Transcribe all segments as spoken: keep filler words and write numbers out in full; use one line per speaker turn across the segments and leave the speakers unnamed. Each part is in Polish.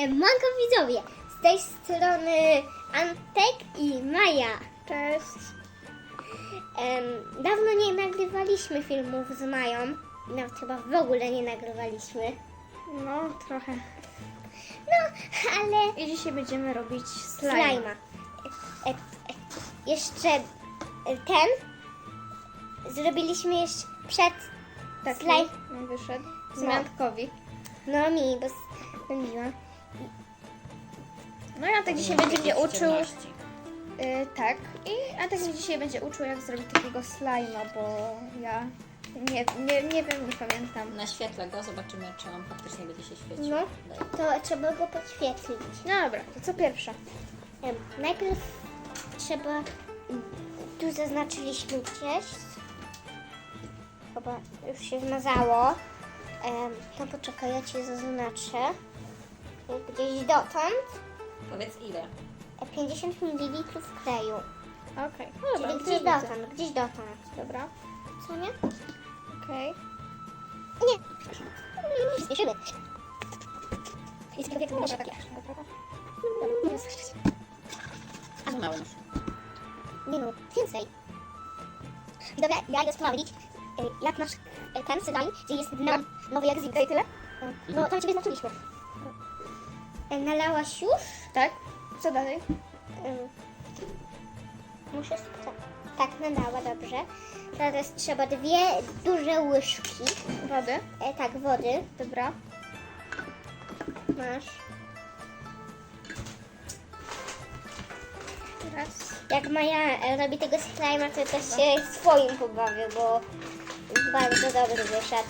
Manko widzowie, z tej strony Antek i Maja.
Cześć.
Em, dawno nie nagrywaliśmy filmów z Mają, nawet chyba w ogóle nie nagrywaliśmy.
No, trochę.
No, ale
I dzisiaj będziemy robić slime.
slajma. E, e, jeszcze e, ten zrobiliśmy jeszcze przed
Taki
slime.
nam wyszedł.
No.
Zmiankowi.
No mi, bo zrobiłam.
No i Antek dzisiaj będzie mnie uczył. Y, tak. I Antek mnie dzisiaj będzie uczył, jak zrobić takiego slajma, bo ja nie, nie, nie wiem, nie pamiętam.
Naświetlę go, zobaczymy, czy on faktycznie będzie się świecił.
No,
Daj.
to trzeba go podświetlić.
No dobra, to co pierwsze?
Em, Najpierw trzeba, tu zaznaczyliśmy gdzieś, chyba już się zmazało, Em, no poczekaj, ja Ci zaznaczę, gdzieś dotąd,
Powiedz ile.
e, pięćdziesiąt mililitrów kleju,
Okej. No dobra,
czyli
to
gdzieś
widzę.
dotąd, gdzieś dotąd,
Dobra,
co nie?
okej.
Nie, nie śpieszymy. Jest jak może takie.
A za mało masz.
Nie no, więcej. Dobra, ja idę sprawdzić, e, jak nasz e, ten slime, gdzie jest no, nowy jak zwykle i tyle. E, No, tam Ciebie znaczyliśmy. E, Nalałaś już?
Tak? Co dalej?
E, Muszę sprawdzić. Tak, nalała, dobrze. Teraz trzeba dwie duże łyżki.
Wody.
E, tak, wody.
Dobra.
Masz.
Raz.
Jak Maja e, robi tego slime'a, to też się swoim pobawię, bo bardzo dobry wyszedł.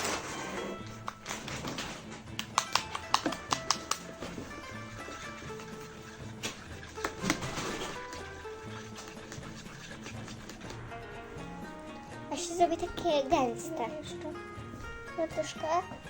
A się zrobi takie gęste.
Jeszcze.
No troszkę.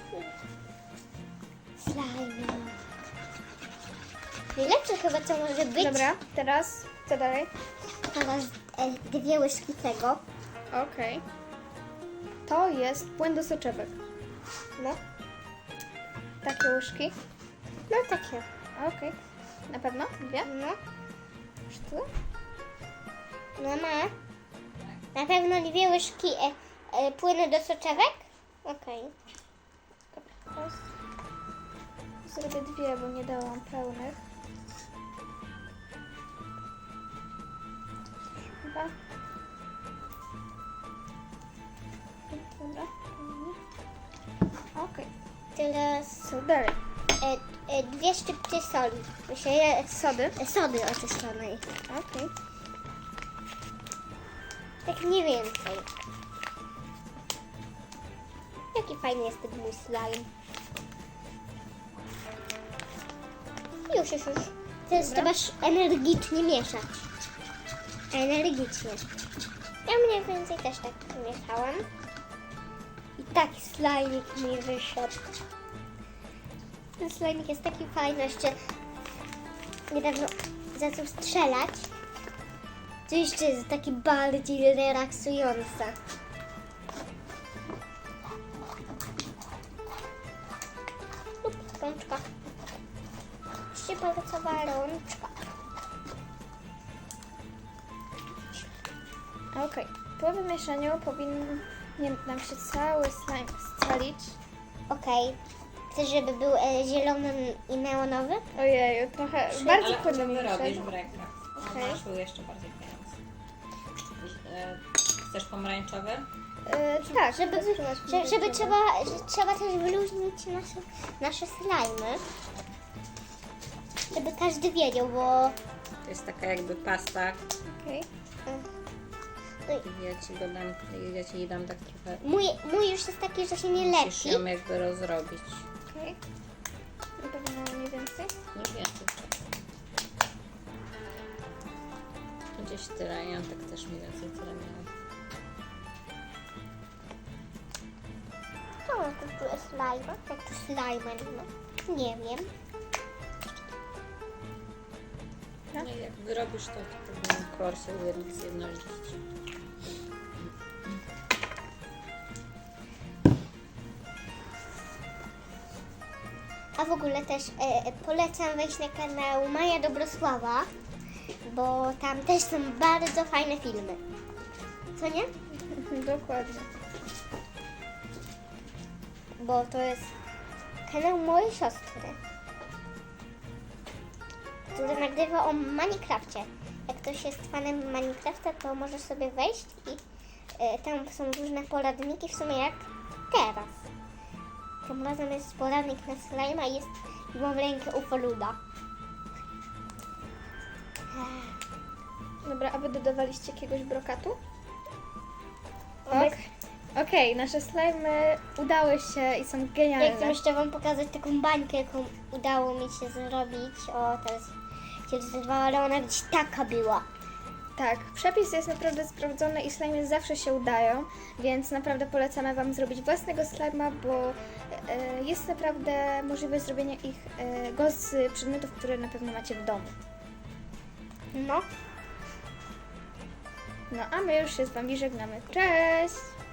Slime. Najlepsze chyba co może być.
Dobra, teraz co dalej?
Teraz e, dwie łyżki tego.
Okej. To jest płyn do soczewek.
No,
Takie łyżki.
no takie.
Okej. Na pewno? Dwie?
No,
Już tu?
no ma. Na pewno dwie łyżki e, e, płynu do soczewek? Okej.
Teraz zrobię dwie, bo nie dałam pełnych. Chyba. Dobra. Okej.
Teraz
Co dalej?
e, e, dwie szczypty soli. Myślę, e,
Sody.
e, sody oczyszczonej.
Okej.
Tak mniej więcej. Jaki fajny jest ten mój slime. Już, już, już. Teraz
Dobra.
trzeba energicznie mieszać. Energicznie. Ja mniej więcej też tak mieszałam. I taki slajmik mi wyszedł. Ten slajmik jest taki fajny, jeszcze niedawno zaczął strzelać. To jeszcze jest taki bardziej relaksujące. Lub rączka. Szczypalcowa rączka.
Okej. Po wymieszaniu powinien nam się cały slime scalić.
Okej. Chcesz, żeby był e, zielony i neonowy?
Ojeju, trochę
Ale
bardzo
co
płynny
ty
mi
robisz
wyszedł.
w rękach?
Okej.
Okay. Masz był jeszcze bardziej pieniądz. E, Chcesz pomarańczowy?
Yy, tak,
Żeby,
spróbować
że, żeby
pomarańczowy.
trzeba, że trzeba też wyluźnić nasze, nasze slajmy. Żeby każdy wiedział, bo
To jest taka jakby pasta.
Okej.
I ja ci go dam, ja ci jej dam tak trochę.
mój, mój już jest taki, że się nie
Musisz
lepi.
ją jakby rozrobić.
Okej. Na pewno mniej więcej.
No więcej. Gdzieś tyle, ja tak też mniej więcej tyle miałam.
To to tu jest slime. Jak to slime, no. Nie wiem.
No i jak wyrobisz to, to powinien kolor się ujedno- zjednolicić.
A A w ogóle też e, polecam wejść na kanał Maja Dobrosława, bo tam też są bardzo fajne filmy. Co nie?
Dokładnie.
Bo to jest kanał mojej siostry, który nagrywa o Minecrafcie. Jak ktoś jest fanem Minecrafta, to możesz sobie wejść i e, tam są różne poradniki, w sumie jak teraz. Tym razem jest poradnik na slime, i jest i mam rękę ufoluda.
Dobra, a wy dodawaliście jakiegoś brokatu?
Obec-
Ok. Okej, nasze slimy udały się i są genialne.
Ja chcę jeszcze Wam pokazać taką bańkę, jaką udało mi się zrobić. O, teraz się zrywała, ale ona gdzieś taka była.
Tak, przepis jest naprawdę sprawdzony i slimy zawsze się udają, więc naprawdę polecamy Wam zrobić własnego slima, bo e, jest naprawdę możliwe zrobienie ich e, go z przedmiotów, które na pewno macie w domu.
No.
No a my już się z Wami żegnamy. Cześć!